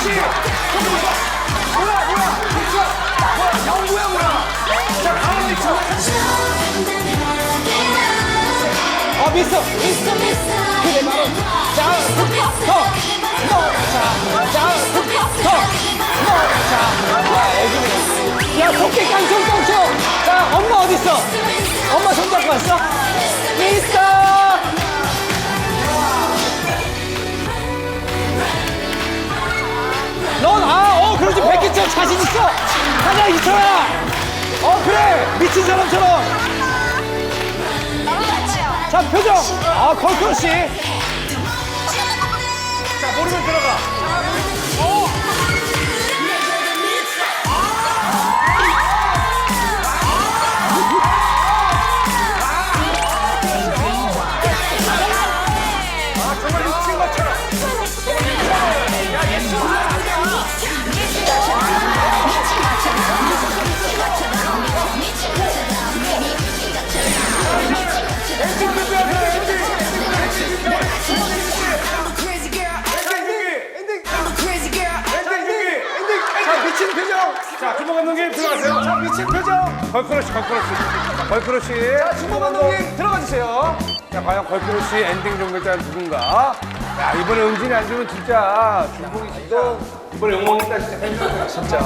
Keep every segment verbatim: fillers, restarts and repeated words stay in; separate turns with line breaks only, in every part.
그렇지. 뭐야, 뭐야. 뭐야, 영구야, 뭐야. 자, 다음 미쳐. 어, 미스터. 그래, 바로. 자, 더. 더. 자, 자, 더. 더. 자, 야, 애기네. 야, 토끼 깡총, 깡총. 자, 엄마 어딨어? 엄마 손잡고 왔어? 미스터. 넌, 아, 어, 그러지. 백기처럼 자신 있어. 가자, 이철아. 어, 그래. 미친 사람처럼. 자, 표정. 아, 걸크러쉬. 자, 모르면 들어가. 어. 아, 정말 미친 것처럼. 야, 예수. 미친 표정. 자, 주모 감독님 들어가세요. 자, 미친 표정. 걸크러쉬, 걸크러쉬. 걸크러쉬. 자, 주모 감독님 들어가 주세요. 자, 과연 걸크러쉬 엔딩 종결자는 누군가? 야, 이번에 은진이 안 주면 진짜 중국이 진짜 이번에 욕먹겠다 진짜 팬들 진짜.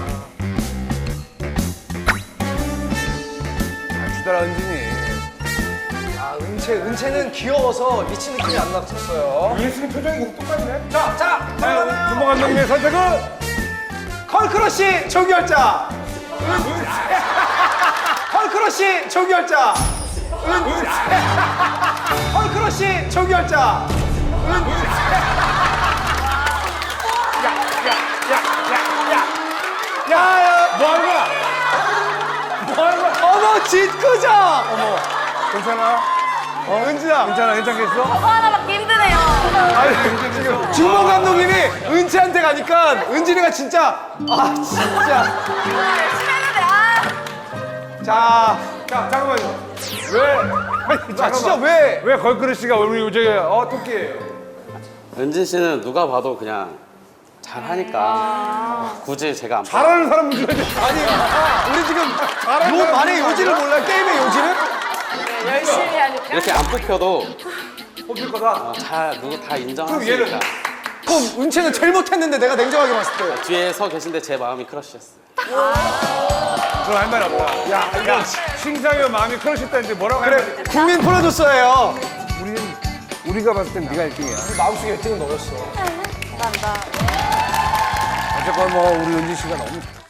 아, 주더라 은진이.
아, 은채, 은채는 귀여워서 미친 느낌이 안 났었어요.
예수님 표정이 뭐 똑같네. 자, 자, 자, 주모 감독님의 선택은
컬크러쉬 종결자. 컬크러쉬 종결자. 은. 컬크러쉬 종결자. 은.
야, 뭐 하는 거야? 뭐 하는 거야?
어머, 짓궂어.
어머, 괜찮아?
어, 은진아.
괜찮아, 괜찮겠어?
저거 하나 받기 힘드네요.
아니, 지금
주모 감독님이 은채한테 가니까 은진이가 진짜 아 진짜.
열심히 했는데, 아.
자,
자, 잠깐만요. 왜? 아니,
자 진짜
잠깐만.
왜?
왜 걸그릇씨가 우리 저기 어 토끼예요?
은진 씨는 누가 봐도 그냥 잘하니까 굳이 제가 안
잘하는 사람 문제지.
아니 아, 우리 지금 요 말의 요지를 몰라 게임의 요지를?
열심히 하니까.
이렇게 안 뽑혀도
뽑힐 거다.
어, 잘 누구 다
그럼
인정하시니까
얘는?
그럼 은채는 제일 못했는데 내가 냉정하게 봤을 때.
뒤에 서 계신데 제 마음이 크러쉬였어요.
그럼 할 말 없다. 야, 야, 심사위원 마음이 크러쉬다는데 뭐라고
그래
하면
국민 프로듀서예요.
우리는 우리가 봤을 땐 네가 일 등이야.
마음속에 일 등은 너였어.
감사합니다.
어쨌건 뭐 우리 은지 씨가 너무